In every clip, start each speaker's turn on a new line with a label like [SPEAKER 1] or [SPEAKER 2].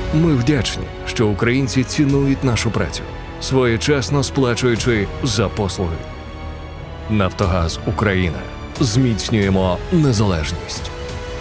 [SPEAKER 1] Ми вдячні, що українці цінують нашу працю, своєчасно сплачуючи за послуги. Нафтогаз Україна. Зміцнюємо незалежність.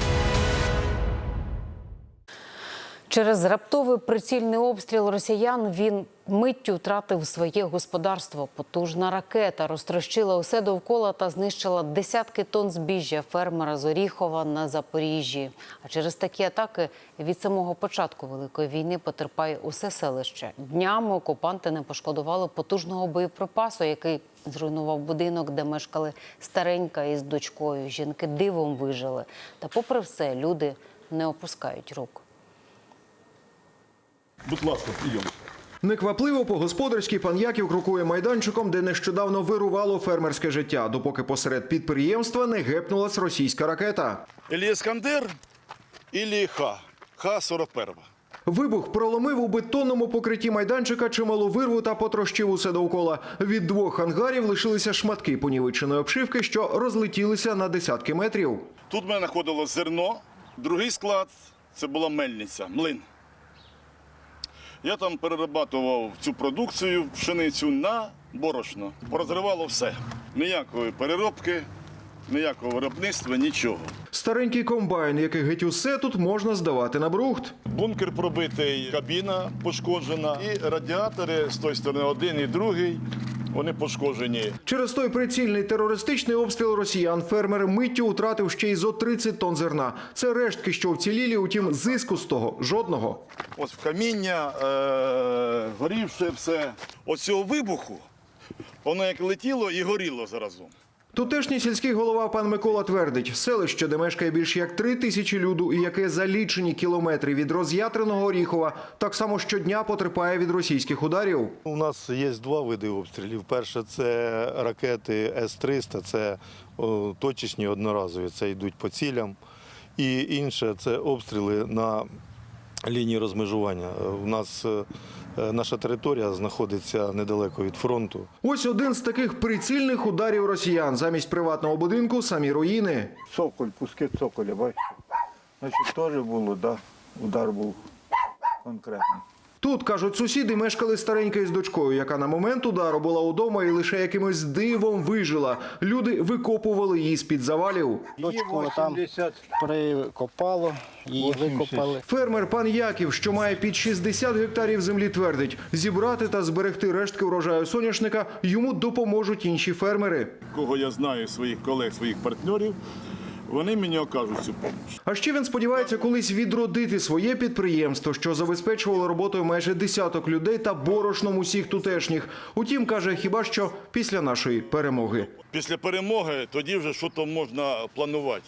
[SPEAKER 2] Через раптовий прицільний обстріл росіян він миттю втратив своє господарство. Потужна ракета розтрощила усе довкола та знищила десятки тонн збіжжя фермера з Оріхова на Запоріжжі. А через такі атаки від самого початку Великої війни потерпає усе селище. Днями окупанти не пошкодували потужного боєприпасу, який зруйнував будинок, де мешкали старенька із дочкою. Жінки дивом вижили. Та попри все, люди не опускають рук.
[SPEAKER 3] Будь ласка, прийом.
[SPEAKER 4] Неквапливо по-господарськи пан Яків крокує майданчиком, де нещодавно вирувало фермерське життя, допоки посеред підприємства не гепнулась російська ракета.
[SPEAKER 3] Ілі Іскандер, ілі Х-41.
[SPEAKER 4] Вибух проломив у бетонному покритті майданчика чималу вирву та потрощив усе довкола. Від двох ангарів лишилися шматки понівеченої обшивки, що розлетілися на десятки метрів.
[SPEAKER 3] Тут в мене знаходилось зерно, другий склад – це була мельниця, млин. Я там перерабатував цю продукцію, пшеницю на борошно. Порозривало все. Ніякої переробки, ніякого виробництва, нічого.
[SPEAKER 4] Старенький комбайн, який геть усе тут можна здавати на брухт.
[SPEAKER 3] Бункер пробитий, кабіна пошкоджена і радіатори з тої сторони один і другий. Вони пошкоджені.
[SPEAKER 4] Через той прицільний терористичний обстріл росіян фермер миттю втратив ще й зо 30 тонн зерна. Це рештки, що вцілілі, утім зиску з того жодного.
[SPEAKER 3] Ось каміння, горівше все. Ось цього вибуху, воно як летіло і горіло заразом.
[SPEAKER 4] Тутешній сільський голова пан Микола твердить, селище, де мешкає більш як 3000 люду і яке за лічені кілометри від роз'ятреного Оріхова, так само щодня потерпає від російських ударів.
[SPEAKER 5] У нас є два види обстрілів. Перше – це ракети С-300, це точечні одноразові, це йдуть по цілям. І інше – це обстріли на лінії розмежування. У нас наша територія знаходиться недалеко від фронту.
[SPEAKER 4] Ось один з таких прицільних ударів росіян. Замість приватного будинку – самі руїни.
[SPEAKER 6] Цоколь, пуски цоколя, бачите? Значить, теж було, да, удар був конкретний.
[SPEAKER 4] Тут, кажуть сусіди, мешкали старенька із дочкою, яка на момент удару була удома і лише якимось дивом вижила. Люди викопували її з-під завалів.
[SPEAKER 7] Дочку там прикопало, її викопали.
[SPEAKER 4] Фермер пан Яків, що має під 60 гектарів землі, твердить, зібрати та зберегти рештки врожаю соняшника йому допоможуть інші фермери.
[SPEAKER 3] Кого я знаю, своїх колег, своїх партнерів, вони мені окажуть цю допомогу.
[SPEAKER 4] А ще він сподівається колись відродити своє підприємство, що забезпечувало роботою майже десяток людей та борошном усіх тутешніх. Утім, каже, хіба що після нашої перемоги.
[SPEAKER 3] Після перемоги тоді вже щось можна планувати.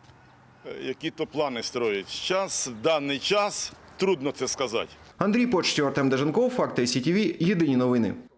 [SPEAKER 3] Які-то плани строїть. Час, даний час, трудно це сказати.
[SPEAKER 4] Андрій Почтєв, Артем Деженков, Факти СІТВ, єдині новини.